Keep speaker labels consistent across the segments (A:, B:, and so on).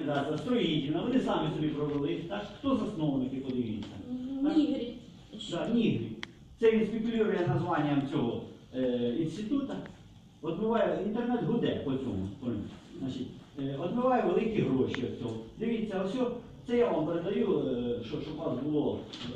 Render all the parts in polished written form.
A: організація, строїтельна, вони самі собі провели. Так? Хто засновники, подивіться?
B: Нігрі.
A: Так, Нігрі. Це він спекулює названням цього інституту. Отмиває, інтернет гуде по цьому. Значить, отмиває великі гроші від цього. Дивіться, ось це я вам передаю, щоб у вас було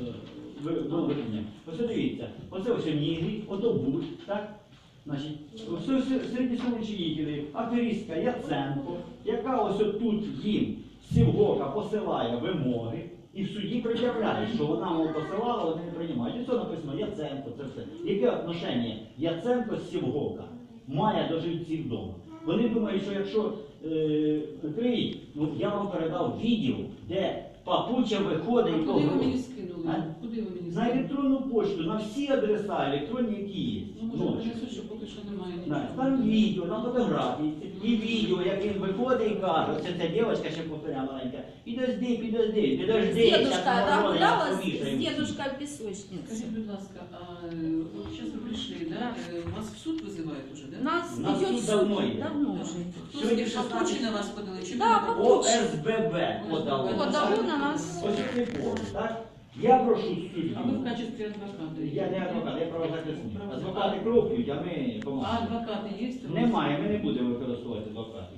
A: виведення. Ось дивіться, оце ось Нігрі, ото Буш, так? Значить, все середньословичителі, аферистка Яценко, яка ось тут їм з Сівгока посилає вимоги і в суді пред'являє, що вона мов посилала, вони не приймають. І це написано Яценко, це все. Яке отношення Яценко з Сівгока має до жильців вдома? Вони думають, що якщо відкриють, ну я вам передав відео, де папуча виходить і
C: куди ви мені скинули? Куди ви мені
A: на
C: скинули?
A: електронну пошту, на всі адреса електронні, які є.
C: Ну, може, принесуть, що поки що немає нічого.
A: Там відео, там фотографії, і відео, як він виходить і каже, оце ця дівчинка ще повторяє маленька, підожди,
B: Дедушка,
A: зараз
B: да,
A: морози,
B: куда
A: я
B: вас
A: повішаю.
B: дедушка песочница?
C: Скажіть, будь ласка, а зараз ви прийшли, да? Вас в суд визивають уже, да?
B: Нас
A: У нас
B: ведет
A: суд
B: суд
A: давно є.
B: давно уже.
A: Сьогодні
C: Папучі на вас подали? Чи
B: Да,
C: ви-
B: Папучі.
A: ОСББ подало.
B: Подало на нас.
A: Ось цей повод, так? Я прошу суддю.
C: А ви в качестві адвоката?
A: Я не адвокат, я правозахисник. Адвокати кров п'ють, а ми
C: А
A: допомагаємо.
C: адвокати є?
A: Немає, ми не будемо використовувати адвокатів.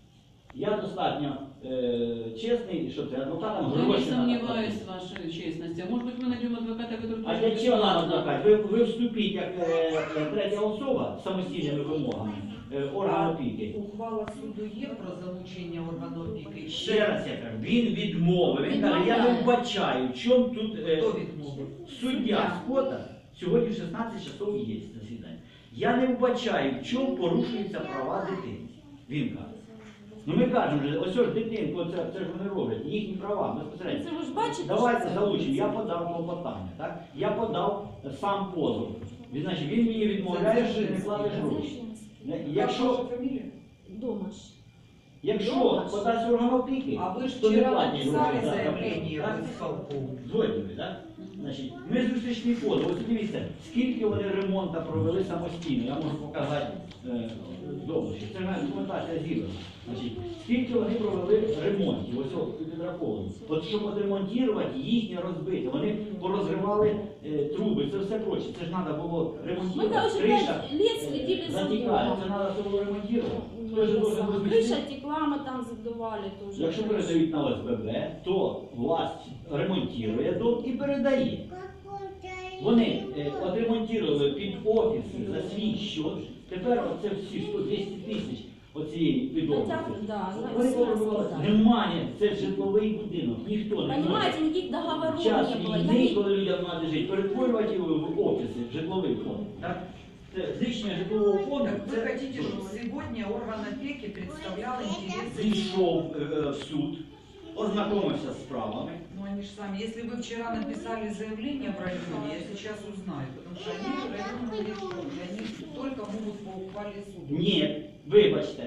A: Я достатньо чесний, що це адвокатам
C: Я не
A: гроші надо
C: сомневаюсь
A: платити.
C: в вашей честности. А может быть, мы найдем адвоката, который...
A: А
C: тоже
A: для чого нам
C: бесплатно?
A: адвокат? Ви вступіть як третя особа з самостійними вимогами органу опіки.
D: Ухвала суду є про залучення органу опіки?
A: Ще раз я кажу, він відмовив. Він каже, я не вбачаю, в чому тут
D: Хто відмовив?
A: суддя Скота сьогодні в 16 часов є засідання. Я не вбачаю, в чому порушуються права дитини. Він каже. Ну ми кажемо, що ось ж дитинку, це ж вони роблять, їхні права безпосередньо.
B: Це ви ж бачите,
A: Давайте
B: що це
A: залучимо. Я
B: робиться?
A: подав клопотання, так? Я подав сам позов. Значить, він мені відмовляє, що не платиш гроші. Якщо
B: Дома ж.
A: подасть орган опіки,
D: А ви ж
A: то не
D: вчора
A: платять
D: написали
A: гроші.
D: заявлення
A: Так?
D: в ісполком.
A: Згодні ви, так? Значить, ми зустрічний позов. Ось дивіться, скільки вони ремонту провели самостійно. Я можу показати довше. Це ж документація зібрана. Значить, скільки вони провели ремонтів, ось підраховано. От щоб отремонтувати, їхнє розбите. Вони порозривали труби, це все проче. Це ж треба було
B: Мы,
A: ремонтувати.
B: короче,
A: Криша
B: 5 лет следили за
A: затікає,
B: домом.
A: це треба все було ремонтувати. Хто ж должен розмістити?
B: Крыша текла, мы там задували тоже.
A: Якщо передають на ОСББ, то власть ремонтує дом і передає. Вони отремонтували під офіси за свій счет. Тепер оце всі 100-200 тисяч оцієї під офіси.
B: Да,
A: Вони
B: да,
A: повернули.
B: да.
A: Немає, це житловий будинок, ніхто не може.
B: Понимаете, никаких договоров
A: Час
B: не было. Я
A: війни,
B: не-
A: коли людям треба жити, перетворювати його в офіси, в житловий фонд. Так? Це знищення житлового фонду.
D: Так вы
A: це-
D: хотите, чтобы сегодня орган опеки представлял интересы?
A: Зійшов в суд, ознакомився з справами.
D: Ну они же сами, если вы вчера написали заявление в районе, я сейчас узнаю, потому что они районные решения, они только могут по ухвале суда.
A: Ні, вибачте,